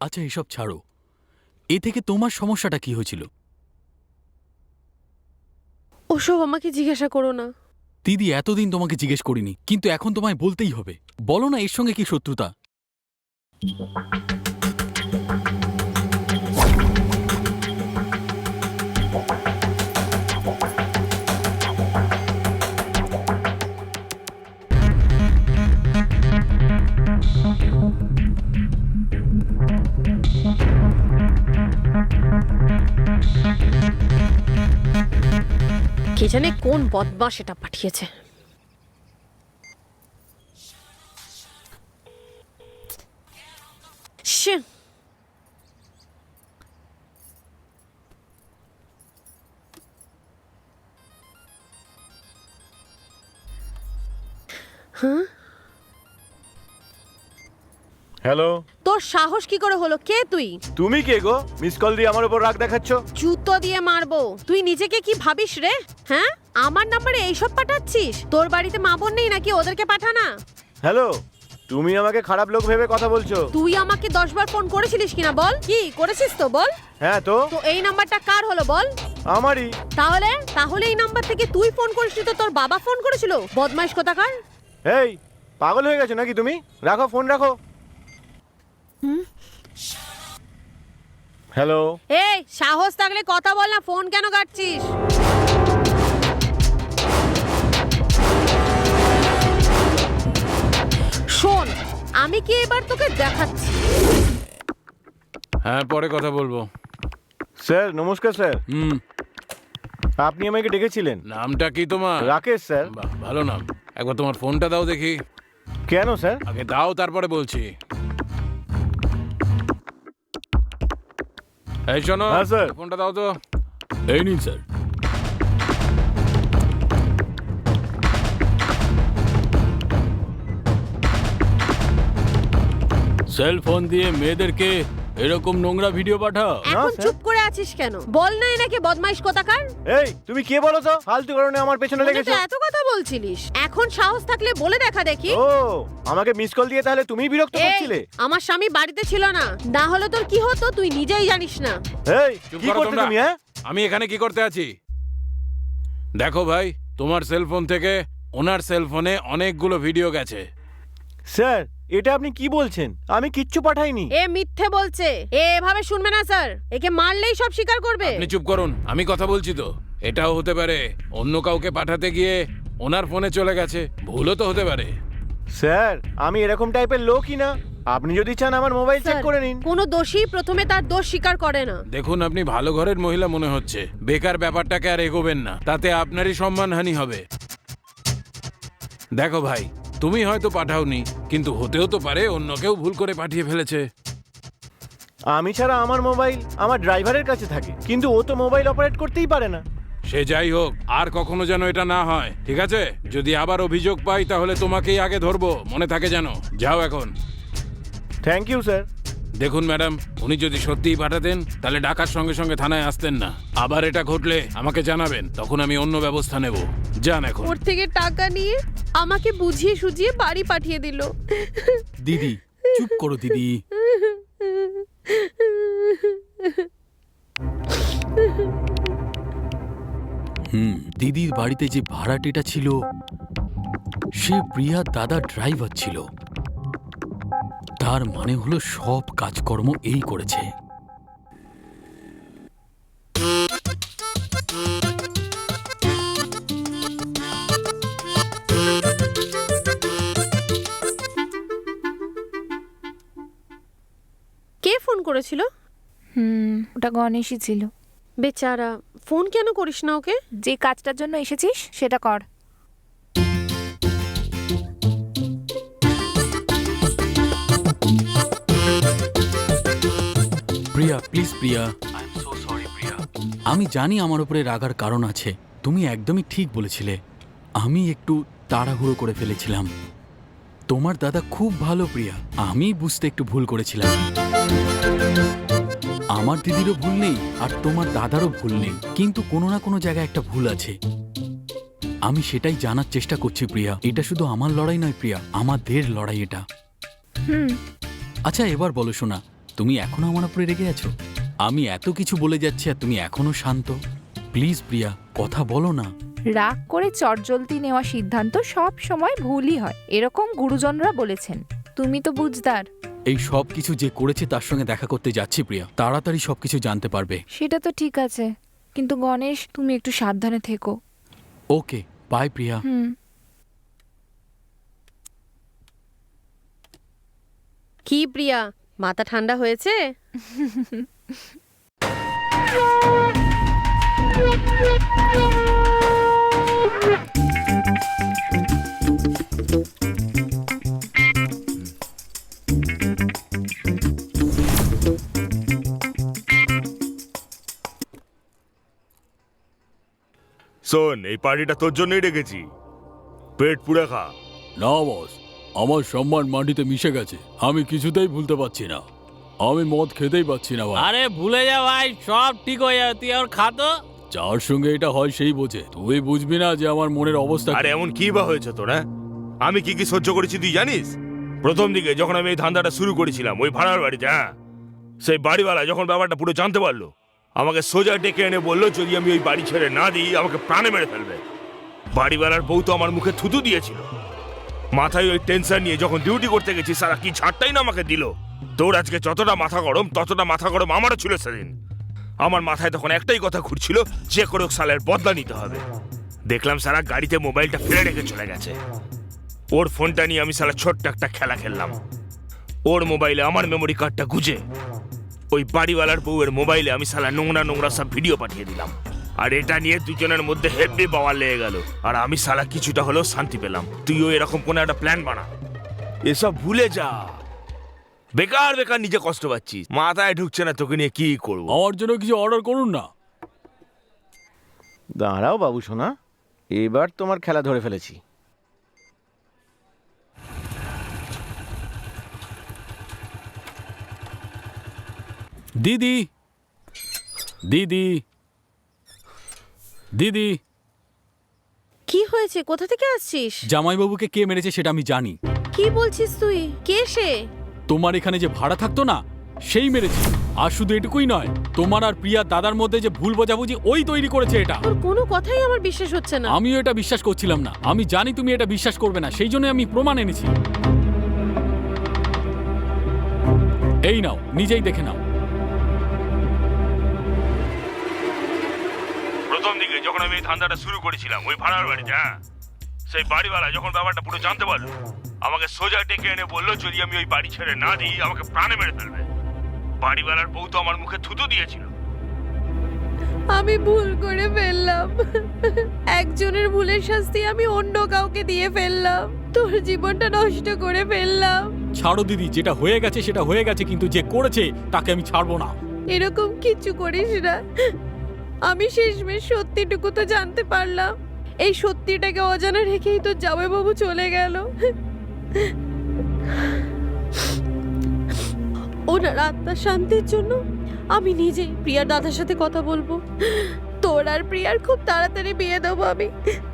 আচ্ছা এসব ছাড়ো, এ থেকে তোমার সমস্যাটা কি হয়েছিল? ওসব আমাকে জিজ্ঞাসা করো না। দিদি এতদিন তোমাকে জিজ্ঞেস করিনি, কিন্তু এখন তোমায় বলতেই হবে। বলো না এর সঙ্গে কি শত্রুতা? কে জানে কোন বদমাশ এটা পাঠিয়েছে। শ্যে। হ্যাঁ, হ্যালো, তোর সাহস কি করে হলো? কে তুই? তুমি কে গো? মিস কল দিয়ে আমার উপর রাগ দেখাচ্ছ? জুতো দিয়ে মারবো। তুই নিজেকে কি ভাবিস রে? হ্যাঁ, আমার নাম্বারে এইসব পাঠাচ্ছিস? তোর বাড়িতে মা বোন নেই নাকি? ওদেরকে পাঠানা। হ্যালো, তুমি আমাকে খারাপ লোক ভেবে কথা বলছো? তুই আমাকে 10 বার ফোন করেছিলিস কিনা বল? কি করেছিস তো বল? হ্যাঁ তো তো এই নাম্বারটা কার হলো বল? আমারই। তাহলে তাহলে এই নাম্বার থেকে তুই ফোন করিসনি তো তোর বাবা ফোন করেছিল? বদমাইশ কোথাকার। এই পাগল হয়ে গেছো নাকি তুমি? রাখো ফোন, রাখো। হ্যালো, এই সাহস থাকলে কথা বল না, ফোন কেন কাটছিস? শোন, আমি কি এবার তোকে দেখাচ্ছি। হ্যাঁ, পরে কথা বলবো। স্যার নমস্কার স্যার। হুম, আপনি আমাকে ডেকেছিলেন? নামটা কি তোমার? রাকেশ স্যার। বাহ, ভালো নাম। একবার তোমার ফোনটা দাও দেখি। কেন স্যার? আগে দাও, তারপরে বলছি। এই শোনো, হ্যাঁ, স্যার। ফোনটা দাও তো। এই নিন স্যার। সেল ফোন দিয়ে মেয়েদেরকে এরকম নোংরা ভিডিও পাঠাও? এখন স্যার। চুপ করে আছিস কেন? বল না এনাকে বদমাইশ কোথাকার। এই তুমি কে বলো তো? ফালতু কারণে আমার পেছনে তুই তো লেগেছো। এত কথা বলছিলিস, এখন সাহস থাকলে বলে দেখা দেখি। ও, আমাকে মিস কল দিয়ে তাহলে তুমি বিরক্ত এই, করছিলে? আমার স্বামী বাড়িতে ছিল না, না হলে তোর কি হতো তুই নিজেই জানিস না। এই চুপ কি করো করতে তোমরা। তুমি? হ্যাঁ, আমি এখানে কি করতে আছি? দেখো ভাই, তোমার সেলফোন থেকে ওনার সেলফোনে অনেকগুলো ভিডিও গেছে। স্যার এটা আপনি কি বলছেন? আমি কিচ্ছু পাঠাইনি। এ মিথ্যে বলছে। এ এভাবে শুনবে না স্যার, একে মারলেই সব স্বীকার করবে। আপনি চুপ করুন, আমি কথা বলছি তো। এটাও হতে পারে অন্য কাউকে পাঠাতে গিয়ে ওনার ফোনে চলে গেছে, ভুলও তো হতে পারে। স্যার আমি এরকম টাইপের লোকই না। আপনি যদি চান আমার মোবাইল চেক স্যার, করে নিন। কোনো দোষী প্রথমে তার দোষ স্বীকার করে না। দেখুন, আপনি ভালো ঘরের মহিলা মনে হচ্ছে। বেকার ব্যাপারটাকে আর এগোবেন না, তাতে আপনারই সম্মানহানি হবে। দেখো ভাই, তুমি হয়তো পাঠাওনি, কিন্তু হতেও তো পারে অন্য কেউ ভুল করে পাঠিয়ে ফেলেছে। আমি ছাড়া আমার মোবাইল আমার ড্রাইভারের কাছে থাকে, কিন্তু ও তো মোবাইল অপারেট করতেই পারে না। সে যাই হোক, আর কখনো যেন এটা না হয়, ঠিক আছে? যদি আবার অভিযোগ পাই তাহলে তোমাকেই আগে ধরবো, মনে থাকে যেন। যাও এখন। Thank you sir. দেখুন ম্যাডাম, উনি যদি সত্যিই পাঠাতেন তাহলে ডাকার সঙ্গে সঙ্গে থানায় আসতেন না। আবার এটা ঘটলে আমাকে জানাবেন, তখন আমি অন্য ব্যবস্থা নেব। যান এখন। ওর থেকে টাকা নিয়ে আমাকে বুঝিয়ে সুঝিয়ে বাড়ি পাঠিয়ে দিল। দিদি চুপ করো দিদি। দিদির বাড়িতে যে ভাড়াটেটা ছিল সে প্রিয়ার দাদা ড্রাইভার ছিল। তার মানে হলো সব কাজকর্ম এই করেছে। কে ফোন করেছিল? ওটা গণেশই ছিল। বেচারা, ফোন কেন করিস না ওকে? যে কাজটার জন্য এসেছিস সেটা কর। প্রিয়া প্লিজ প্রিয়া, আমি জানি আমার উপরে রাগার কারণ আছে। তুমি একদমই ঠিক বলেছিলে, আমি একটু তাড়াহুড়ো করে ফেলেছিলাম। তোমার দাদা খুব ভালো প্রিয়া, আমি বুঝতে একটু ভুল করেছিলাম। আমার দিদিরও ভুল নেই আর তোমার দাদারও ভুল নেই, কিন্তু কোনো না কোনো জায়গায় একটা ভুল আছে। আমি সেটাই জানার চেষ্টা করছি প্রিয়া। এটা শুধু আমার লড়াই নয় প্রিয়া, আমাদের লড়াই এটা। আচ্ছা এবার বলো শোনা, তুমি এখনো আমার উপরে রেগে আছো? আমি এত কিছু বলে যাচ্ছি আর তুমি এখনো শান্ত। প্লিজ প্রিয়া, কথা বলো না। রাগ করে চটজলদি নেওয়া সিদ্ধান্ত সব সময় ভুলই হয়, এরকম গুরুজনরা বলেছেন। তুমি তো বুঝদার। এই সব কিছু যে করেছে তার সঙ্গে দেখা করতে যাচ্ছি প্রিয়া, তাড়াতাড়ি সবকিছু জানতে পারবে। সেটা তো ঠিক আছে, কিন্তু গণেশ তুমি একটু সাবধানে থেকো। Okay, bye Priya. কি প্রিয়া, মাথা ঠান্ডা হয়েছে? শোন, এই পার্টিটা তোর জন্যই রেখেছি, পেট পুড়ে খা। না বস, আমার সম্মান মাটিতে মিশে গেছে, আমি কিছুতেই ভুলতে পারছি না। আমি মদ খেতেই পাচ্ছি না ভাই। আরে ভুলে যা ভাই, সব ঠিক হয়ে যাবে, তুই আর খাতো। যার সঙ্গে এটা হয় সেই বোঝে, তুই বুঝবি না যে আমার মনের অবস্থা কি। আরে এমন কি বা হয়েছে তোর? হ্যাঁ, আমি কি কি সহ্য করেছি তুই জানিস? প্রথম দিকে যখন আমি এই ধান্দাটা শুরু করেছিলাম ওই ভাড়ার বাড়িতে, হ্যাঁ, সেই বাড়িওয়ালা যখন ব্যাপারটা পুরো জানতে পারলো, আমাকে সোজা ডেকে এনে বললো যদি আমি ওই বাড়ি ছেড়ে না দিই আমাকে প্রাণে মেরে ফেলবে। বাড়িওয়ালার বউ তো আমার মুখে থুতু দিয়েছিল। মাথায় ওই টেনশন নিয়ে যখন ডিউটি করতে গেছি সারা কি ছাড়টাই না আমাকে দিল। তোর আজকে যতটা মাথা গরম ততটা মাথা গরম আমারও ছিল সেদিন। আমার মাথায় তখন একটাই কথা ঘুরছিল, যে করে হোক সালের বদলা নিতে হবে। দেখলাম সারা গাড়িতে মোবাইলটা ফেলে রেখে চলে গেছে। ওর ফোনটা নিয়ে আমি সালা ছোট্ট একটা খেলা খেললাম। ওর মোবাইলে আমার মেমোরি কার্ডটা গুজে ওই বাড়িওয়ালার বউয়ের মোবাইলে আমি সালা নোংরা নোংরা সব ভিডিও পাঠিয়ে দিলাম। আর এটা নিয়ে দুজনের মধ্যে হেভি বাওয়া লেগে গেল। আর আমি সালা কিছুটা হলেও শান্তি পেলাম। তুইও এরকম কোনো একটা প্ল্যান বানা, এসব ভুলে যা। বেকার বেকার নিজে কষ্ট পাচ্ছিস, মাথায় ঢুকছে না তোকে নিয়ে কি করবো। আমার জন্য কিছু অর্ডার করুন না। দাঁড়াও বাবু সোনা, এবার তোমার খেলা ধরে ফেলেছি। দিদি, দিদি, দিদি। কি হয়েছে? কোথা থেকে আসছিস? জামাইবাবুকে কে মেরেছে সেটা আমি জানি। কি বলছিস তুই? কে সে? তোমার এখানে যে ভাড়া থাকতো না সেই মেরেছে। আর শুধু এটুকুই নয়, তোমার আর প্রিয়া দাদার মধ্যে যে ভুল বোঝাবুঝি ওই তৈরি করেছে এটা। তোর কোনো কথাই আমার বিশ্বাস হচ্ছে না। আমিও এটা বিশ্বাস করছিলাম না। আমি জানি তুমি এটা বিশ্বাস করবে না, সেই জন্য আমি প্রমাণ এনেছি। এই নাও, নিজেই দেখে নাও। প্রথম দিকে যখন আমি এই ধান্দাটা শুরু করেছিলাম ওই ভাড়ার বাড়িতে, হ্যাঁ, সেই বাড়িওয়ালা যখন ব্যাপারটা পুরো জানতে পারলো, আমাকে সোজা ডেকে এনে বললো যদি আমি ওই বাড়ি ছেড়ে না দিই আমাকে প্রাণে মেরে ফেলবে। বাড়িওয়ালার বউ তো আমার মুখে থুতু দিয়েছিল। আমি ভুল করে ফেললাম। একজনের ভুলের শাস্তি আমি অন্য কাউকে দিয়ে ফেললাম। তোর জীবনটা নষ্ট করে ফেললাম। ছাড়ো দিদি, যেটা হয়ে গেছে সেটা হয়ে গেছে, কিন্তু যে করেছে তাকে আমি ছাড়বো না। এরকম কিছু করিস না। আমি শেষমেশ সত্যিটুকু তো জানতে পারলাম। এই সত্যিটাকে অজানা রেখেই তো জামাইবাবু চলে গেল। ওনার আত্মার শান্তির জন্য আমি নিজেই প্রিয়ার দাদার সাথে কথা বলবো। তোর আর প্রিয়ার খুব তাড়াতাড়ি বিয়ে দেবো আমি।